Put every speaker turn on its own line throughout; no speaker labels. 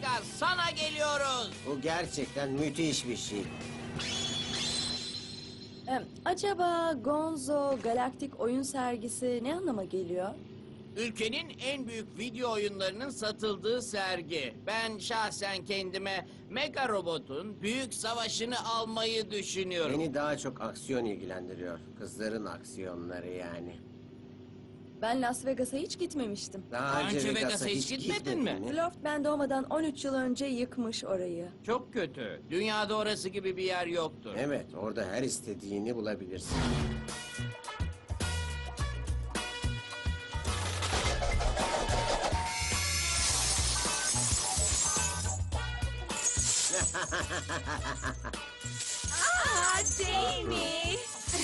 Vegas, sana geliyoruz.
Bu gerçekten müthiş bir şey.
Acaba Gonzo Galaktik Oyun Sergisi ne anlama geliyor?
Ülkenin en büyük video oyunlarının satıldığı sergi. Ben şahsen kendime Mega Robot'un büyük savaşını almayı düşünüyorum.
Beni daha çok aksiyon ilgilendiriyor. Kızların aksiyonları yani.
Ben Las Vegas'a hiç gitmemiştim.
Daha önce Vegas'a hiç
gitmedin
gitmedin
mi?
mi?
Loft ben doğmadan 13 yıl önce yıkmış orayı.
Çok kötü. Dünyada orası gibi bir yer yoktur.
Evet, orada her istediğini bulabilirsin.
Jamie!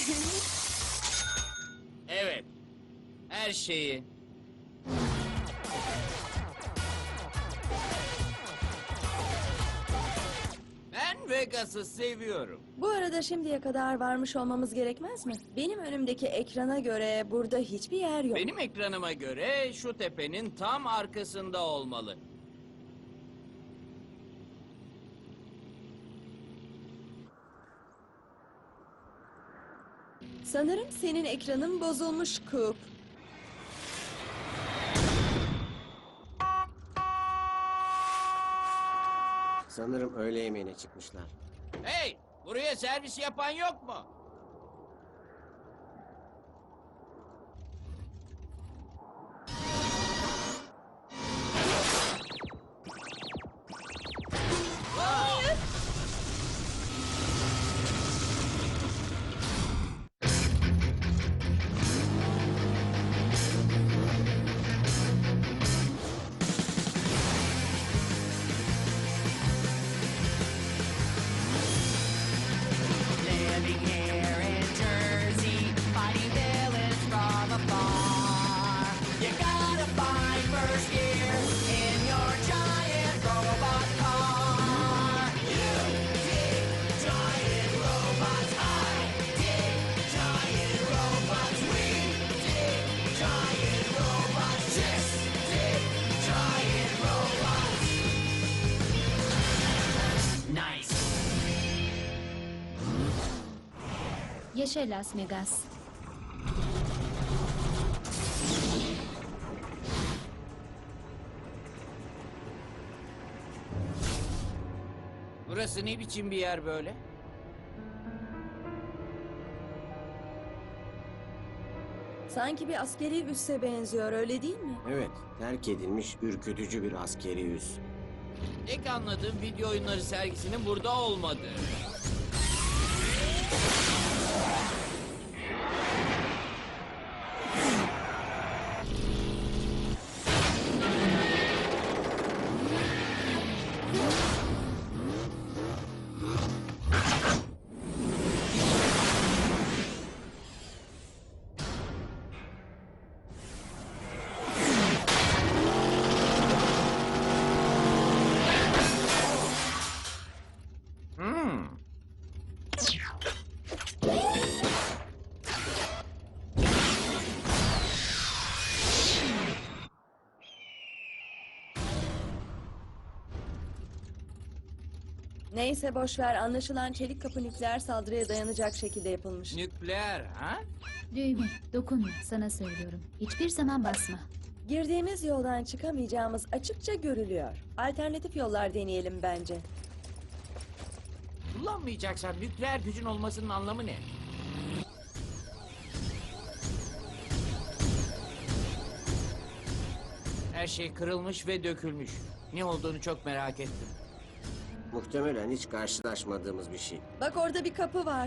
Evet. Her şeyi. Ben Vegas'ı seviyorum.
Bu arada şimdiye kadar varmış olmamız gerekmez mi? Benim önümdeki ekrana göre burada hiçbir yer yok.
Benim ekranıma göre şu tepenin tam arkasında olmalı.
Sanırım senin ekranın bozulmuş Coop.
Sanırım öğle yemeğine çıkmışlar.
Hey! Buraya servis yapan yok mu?
Living here in Jersey, fighting villains from afar. You gotta find first gear in your giant robot car. You dig giant robots, I dig giant robots, we dig giant robots, just dig giant robots. Nice.
Yaşa Las Vegas.
Burası ne biçim bir yer böyle?
Sanki bir askeri üsse benziyor, öyle değil mi?
Evet, terk edilmiş ürkütücü bir askeri üs.
Tek anladığım video oyunları sergisinin burada olmadığı.
Neyse boş ver, anlaşılan çelik kapı nükleer saldırıya dayanacak şekilde yapılmış.
Nükleer ha?
Düğme, dokunma. Sana söylüyorum. Hiçbir zaman basma.
Girdiğimiz yoldan çıkamayacağımız açıkça görülüyor. Alternatif yollar deneyelim bence.
Kullanmayacaksan nükleer gücün olmasının anlamı ne? Her şey kırılmış ve dökülmüş. Ne olduğunu çok merak ettim.
Muhtemelen hiç karşılaşmadığımız bir şey.
Bak orada bir kapı var.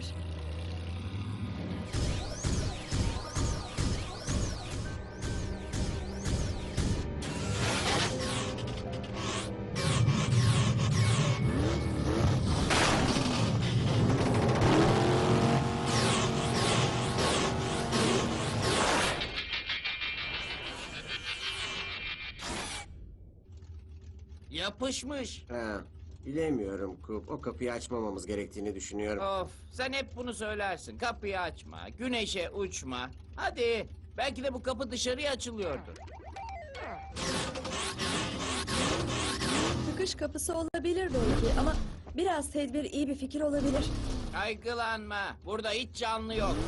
Yapışmış.
Ha, bilemiyorum Kup. O kapıyı açmamamız gerektiğini düşünüyorum.
Of, sen hep bunu söylersin. Kapıyı açma, güneşe uçma. Hadi, belki de bu kapı dışarıya açılıyordur.
çıkış kapısı olabilir belki ama biraz tedbir iyi bir fikir olabilir.
Kaygılanma. Burada hiç canlı yok.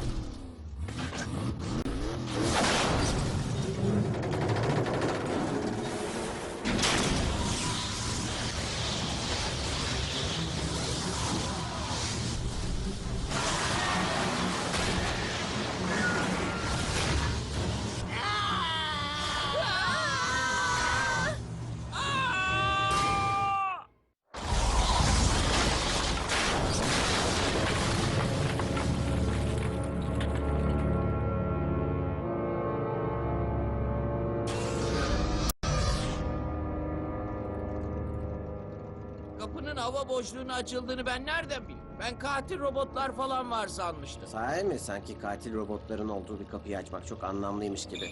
Kapının hava boşluğuna açıldığını ben nereden bileyim? Ben katil robotlar falan var sanmıştım.
Sahi mi? Sanki katil robotların olduğu bir kapıyı açmak çok anlamlıymış gibi.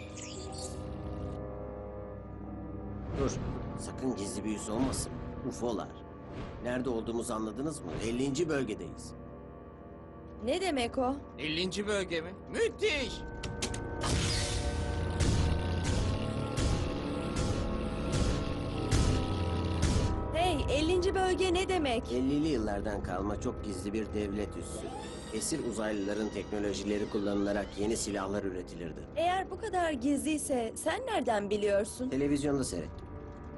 Dur. Sakın gizli bir yüz olmasın. UFO'lar. Nerede olduğumuzu anladınız mı? 50. bölgedeyiz.
Ne demek o?
50. bölge mi? Müthiş!
Hey, 50. bölge ne demek?
50'li yıllardan kalma çok gizli bir devlet üssü. Esir uzaylıların teknolojileri kullanılarak yeni silahlar üretilirdi.
Eğer bu kadar gizliyse sen nereden biliyorsun?
Televizyonda seyrettim.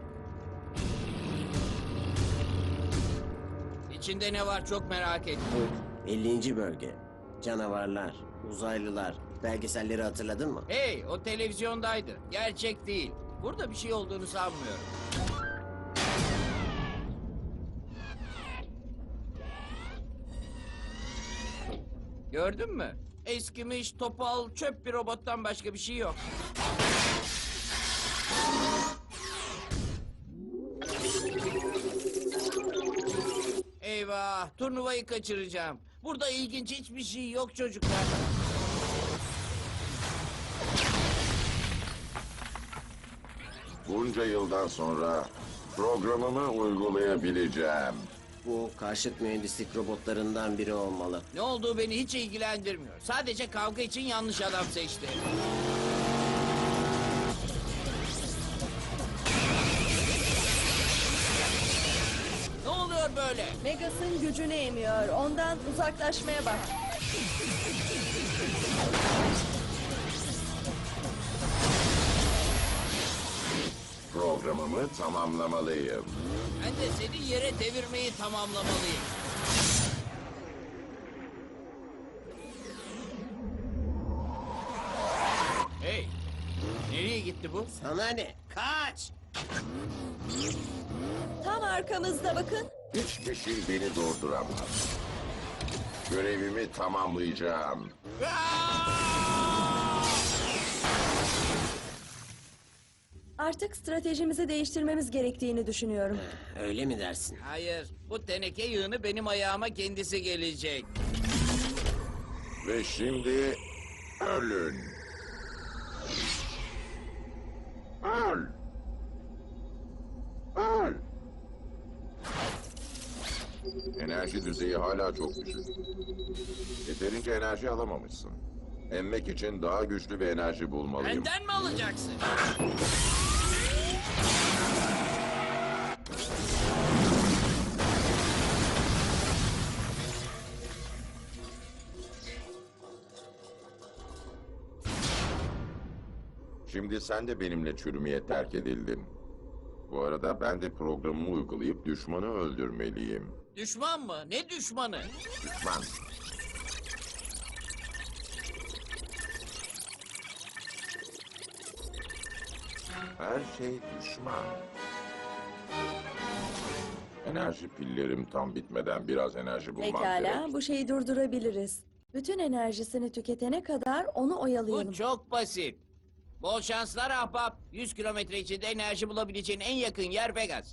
İçinde ne var çok merak ettim.
Bu 50. bölge. Canavarlar, uzaylılar. Belgeselleri hatırladın mı?
Hey, o televizyondaydı. Gerçek değil. Burada bir şey olduğunu sanmıyorum. Gördün mü? Eskimiş, topal, çöp bir robottan başka bir şey yok. Eyvah, turnuvayı kaçıracağım. Burada ilginç hiçbir şey yok çocuklar.
Bunca yıldan sonra programımı uygulayabileceğim.
Bu karşıt mühendislik robotlarından biri olmalı.
Ne olduğu beni hiç ilgilendirmiyor. Sadece kavga için yanlış adam seçti. Ne oluyor böyle?
Megas'ın gücünü emiyor. Ondan uzaklaşmaya bak.
Programımı tamamlamalıyım.
Ben de seni yere devirmeyi tamamlamalıyım. Hey, nereye gitti bu?
Sana ne? Kaç!
Tam arkamızda bakın.
Hiçbir şey beni durduramaz. Görevimi tamamlayacağım.
Artık stratejimizi değiştirmemiz gerektiğini düşünüyorum.
Öyle mi dersin?
Hayır, bu teneke yığını benim ayağıma kendisi gelecek.
Ve şimdi ölün. Öl. Öl. Enerji düzeyi hala çok düşük. Yeterince enerji alamamışsın. Emmek için daha güçlü bir enerji bulmalıyım.
Benden mi alacaksın?
Şimdi sen de benimle çürümeye terk edildin. Bu arada ben de programımı uygulayıp düşmanı öldürmeliyim.
Düşman mı? Ne düşmanı?
Düşman. Her şey düşman. Enerji pillerim tam bitmeden biraz enerji bulmam
Pekala,
gerek.
bu şeyi durdurabiliriz. Bütün enerjisini tüketene kadar onu oyalayalım.
Bu çok basit. Bol şanslar ahbap. 100 kilometre içinde enerji bulabileceğin en yakın yer Vegas.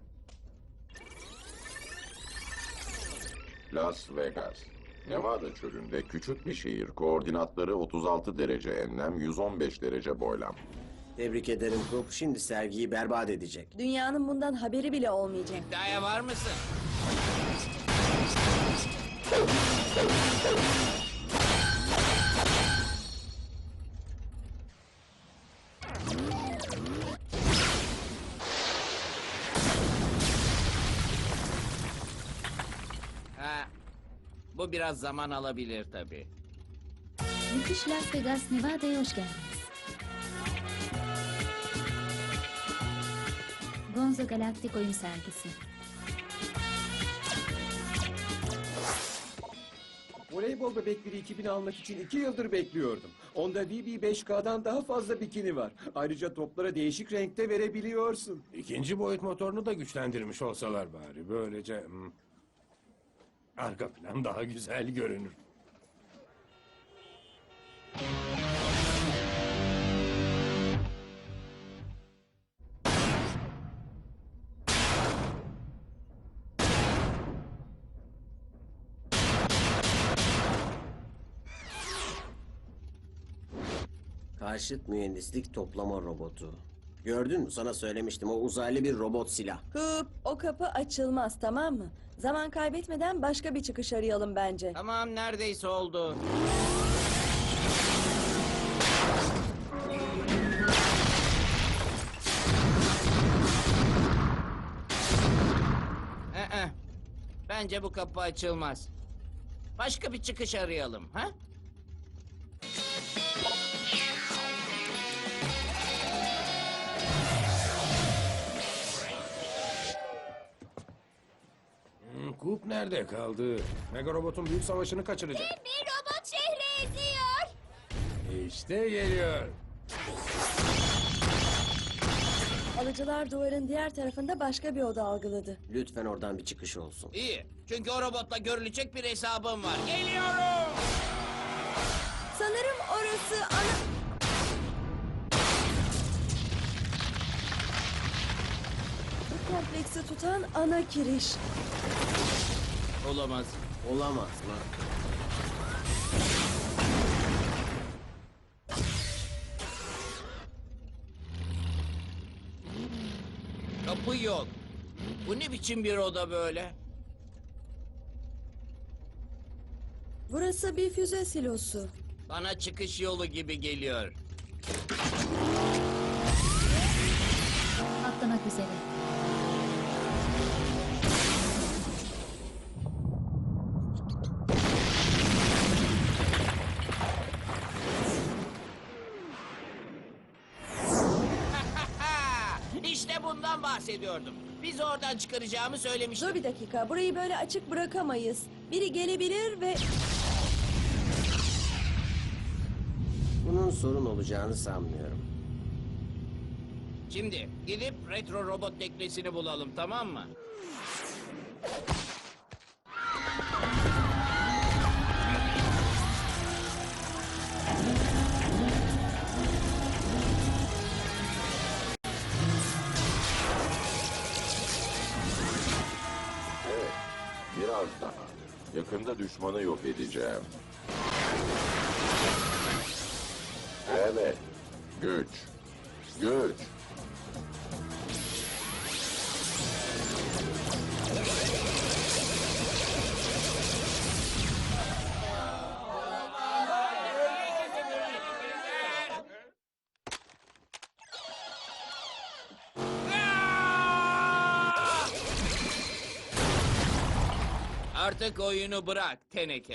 Las Vegas. Nevada çölünde küçük bir şehir. Koordinatları 36 derece enlem, 115 derece boylam.
Tebrik ederim Coop. Şimdi sergiyi berbat edecek.
Dünyanın bundan haberi bile olmayacak.
İddiaya var mısın? Bu biraz zaman alabilir tabii.
Müthiş Las Vegas, Nevada'ya hoş geldiniz. Gonzo Galaktik Oyun Sergisi.
Voleybol bebekleri 2000 almak için 2 yıldır bekliyordum. Onda VB5K'dan daha fazla bikini var. Ayrıca toplara değişik renkte verebiliyorsun.
İkinci boyut motorunu da güçlendirmiş olsalar bari. Böylece arka plan daha güzel görünür.
Karşıt mühendislik toplama robotu. Gördün mü? Sana söylemiştim. O uzaylı bir robot silah.
Hıp, o kapı açılmaz, tamam mı? Zaman kaybetmeden başka bir çıkış arayalım bence.
Tamam, neredeyse oldu. Bence bu kapı açılmaz. Başka bir çıkış arayalım, ha?
Kup nerede kaldı? Mega Robot'un büyük savaşını kaçıracak.
Bir robot şehri eziyor.
İşte geliyor.
Alıcılar duvarın diğer tarafında başka bir oda algıladı.
Lütfen oradan bir çıkış olsun.
İyi. Çünkü o robotla görülecek bir hesabım var. Geliyorum.
Sanırım orası ana... Bu kompleksi tutan ana kiriş.
Olamaz.
Olamaz mı?
Kapı yok. Bu ne biçim bir oda böyle?
Burası bir füze silosu.
Bana çıkış yolu gibi geliyor.
Atlamak üzere.
İşte bundan bahsediyordum. Bizi oradan çıkaracağımı söylemiştim.
Dur bir dakika, burayı böyle açık bırakamayız. Biri gelebilir ve...
Bunun sorun olacağını sanmıyorum.
Şimdi gidip retro robot teknesini bulalım, tamam mı?
Evet, biraz daha. Yakında düşmanı yok edeceğim. Evet, güç. Güç.
Artık oyunu bırak teneke.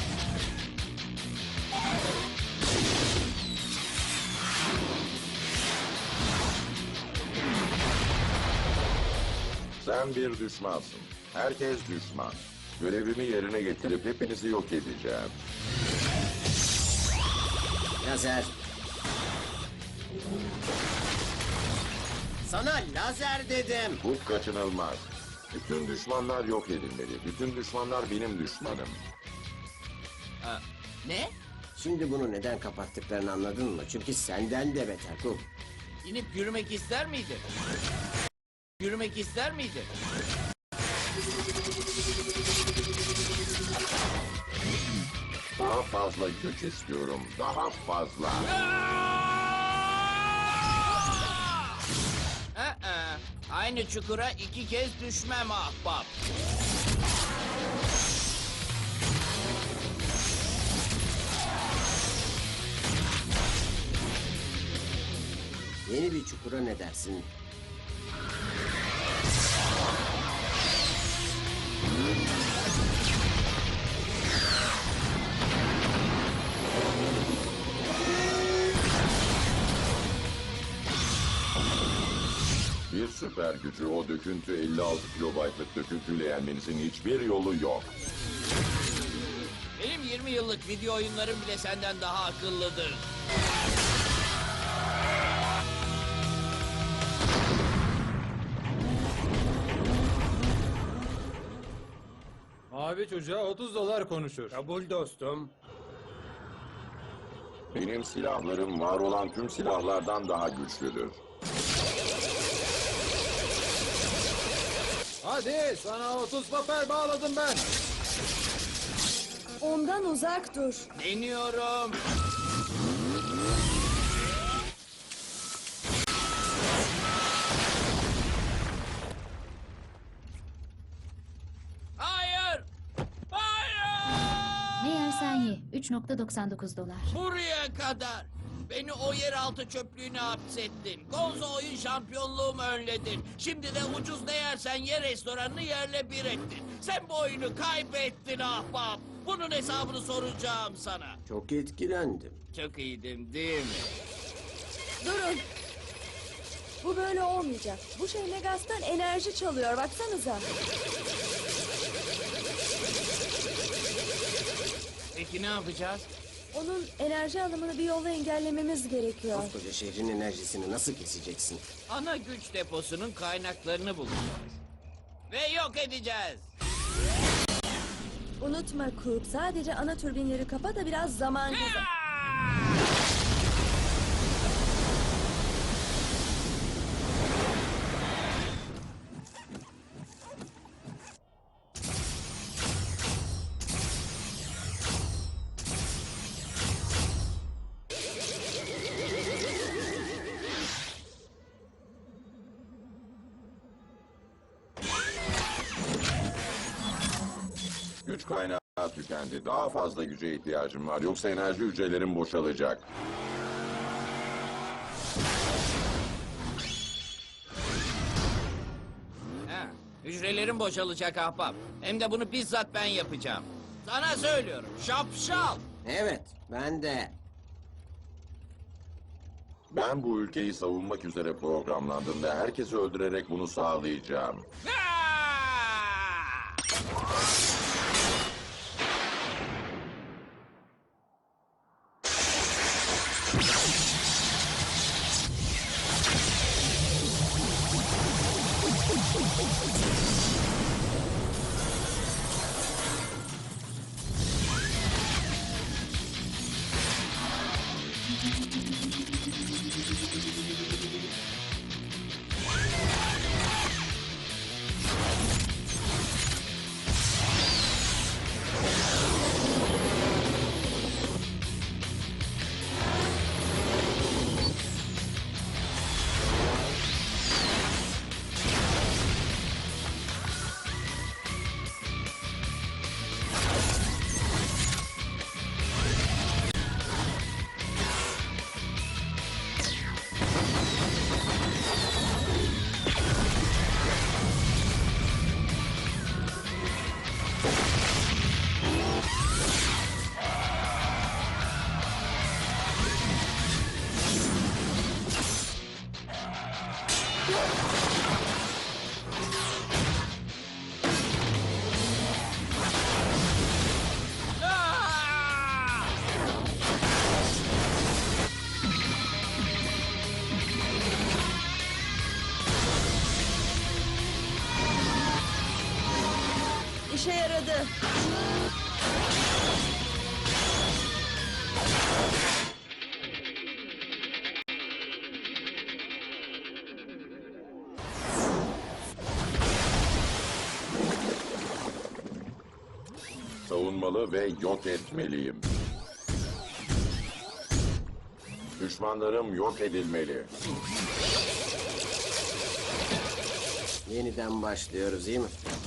Sen bir düşmansın. Herkes düşman. Görevimi yerine getirip hepinizi yok edeceğim.
Lazer. Sana lazer dedim.
Bu kaçınılmaz. Bütün düşmanlar yok edilmeli. Bütün düşmanlar benim düşmanım.
Ha, ne?
Şimdi bunu neden kapattıklarını anladın mı? Çünkü senden de beter Kup.
İnip yürümek ister miydin? Yürümek ister miydin?
Daha fazla güç istiyorum. Daha fazla.
Aynı çukura 2 kez düşmem ahbap.
Yeni bir çukura ne dersin?
süper gücü, o döküntü 56 kilobaytlık döküntüyle yenmenizin hiçbir yolu yok.
Benim 20 yıllık video oyunlarım bile senden daha akıllıdır.
Mavi çocuğa 30 dolar konuşur.
Kabul dostum.
Benim silahlarım var olan tüm silahlardan daha güçlüdür.
Hadi sana 30 papel bağladım ben.
Ondan uzak dur.
Deniyorum. Hayır! Hayır!
Ne yersen ye. 3.99 dolar.
Buraya kadar. Beni o yeraltı çöplüğüne hapsettin. Gonzo oyun şampiyonluğumu önledin. Şimdi de ucuz ne yersen ye restoranını yerle bir ettin. Sen bu oyunu kaybettin ahbap. Bunun hesabını soracağım sana.
Çok etkilendim.
Çok iyiydim değil mi?
Durun. Bu böyle olmayacak. Bu şey Megas'tan enerji çalıyor. Baksanıza.
Peki ne yapacağız?
Onun enerji alımını bir yolla engellememiz gerekiyor.
Koskoca şehrin enerjisini nasıl keseceksin?
Ana güç deposunun kaynaklarını bulacağız. Ve yok edeceğiz.
Unutma Coop. Sadece ana türbinleri kapa da biraz zaman kazan.
Güç kaynağı tükendi. Daha fazla güce ihtiyacım var. Yoksa enerji hücrelerim boşalacak.
Ha, hücrelerim boşalacak ahbap. Hem de bunu bizzat ben yapacağım. Sana söylüyorum. Şapşal.
Evet, ben de.
Ben bu ülkeyi savunmak üzere programlandım ve herkesi öldürerek bunu sağlayacağım.
Ha!
İşe yaradı.
Savunmalı ve yok etmeliyim. Düşmanlarım yok edilmeli.
Yeniden başlıyoruz, iyi mi?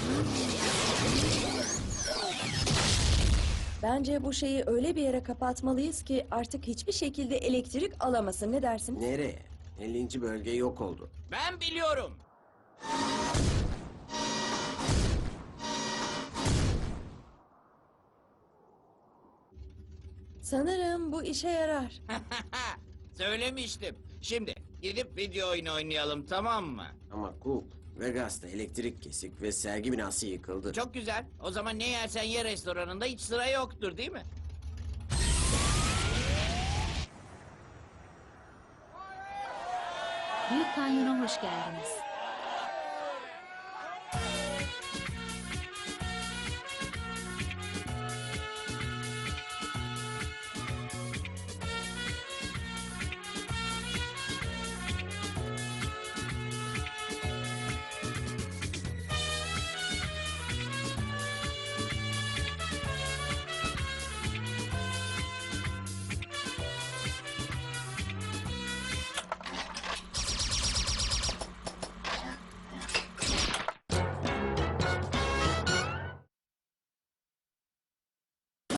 Bence bu şeyi öyle bir yere kapatmalıyız ki artık hiçbir şekilde elektrik alamasın. Ne dersin?
Nereye? 50. bölge yok oldu.
Ben biliyorum.
Sanırım bu işe yarar.
Söylemiştim. Şimdi Gidip video oyunu oynayalım, tamam mı?
Ama Coop, Vegas'ta elektrik kesik ve sergi binası yıkıldı.
Çok güzel. O zaman ne yersen ye restoranında hiç sıra yoktur, değil mi?
Büyük Kanyon'a hoş geldiniz.